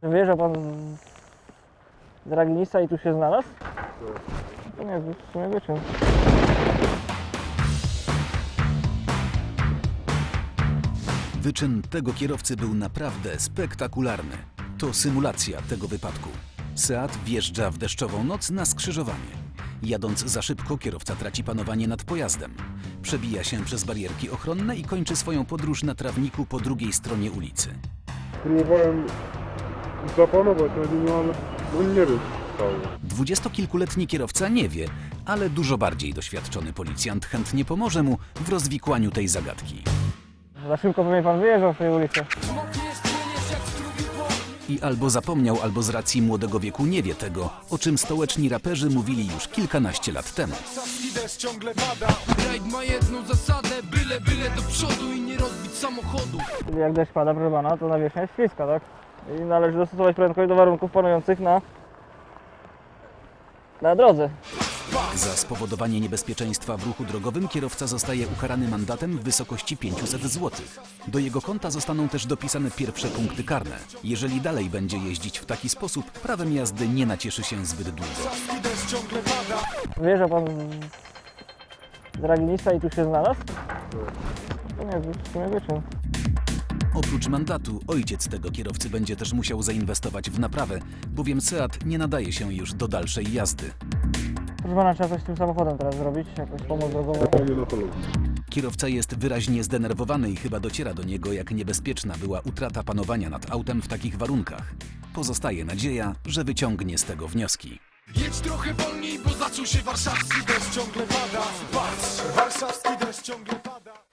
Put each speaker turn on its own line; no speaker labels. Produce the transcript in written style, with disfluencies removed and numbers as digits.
Wyjeżdżał pan z Ragnica i tu się znalazł? To nie, w sumie wyczyn.
Wyczyn tego kierowcy był naprawdę spektakularny. To symulacja tego wypadku. Seat wjeżdża w deszczową noc na skrzyżowanie. Jadąc za szybko, kierowca traci panowanie nad pojazdem. Przebija się przez barierki ochronne i kończy swoją podróż na trawniku po drugiej stronie ulicy.
Próbowałem zapanować na nim, ale no nie wiem, co stało.
Dwudziestokilkuletni kierowca nie wie, ale dużo bardziej doświadczony policjant chętnie pomoże mu w rozwikłaniu tej zagadki.
Za szybko pewnie pan wyjeżdżał z tej ulicy.
I albo zapomniał, albo z racji młodego wieku nie wie tego, o czym stołeczni raperzy mówili już kilkanaście lat temu.
Rajd ma jedną zasadę, byle do przodu i nie rozbić samochodu.
Czyli jak deszcz pada, proszę pana, to nawierzchnia jest śliska, tak? I należy dostosować prędkość do warunków panujących na drodze.
Za spowodowanie niebezpieczeństwa w ruchu drogowym kierowca zostaje ukarany mandatem w wysokości 500 zł. Do jego konta zostaną też dopisane pierwsze punkty karne. Jeżeli dalej będzie jeździć w taki sposób, prawem jazdy nie nacieszy się zbyt długo.
Wyjeżdżał pan z Ragnica i tu się znalazł? To nie, w sumie wyczyn.
Oprócz mandatu, ojciec tego kierowcy będzie też musiał zainwestować w naprawę, bowiem Seat nie nadaje się już do dalszej jazdy.
Proszę pana, trzeba coś z tym samochodem teraz zrobić, jakąś pomoc drogową.
Kierowca jest wyraźnie zdenerwowany i chyba dociera do niego, jak niebezpieczna była utrata panowania nad autem w takich warunkach. Pozostaje nadzieja, że wyciągnie z tego wnioski.
Jedź trochę wolniej, bo zaczął się warszawski deszcz ciągle pada. Patrz, warszawski deszcz ciągle pada.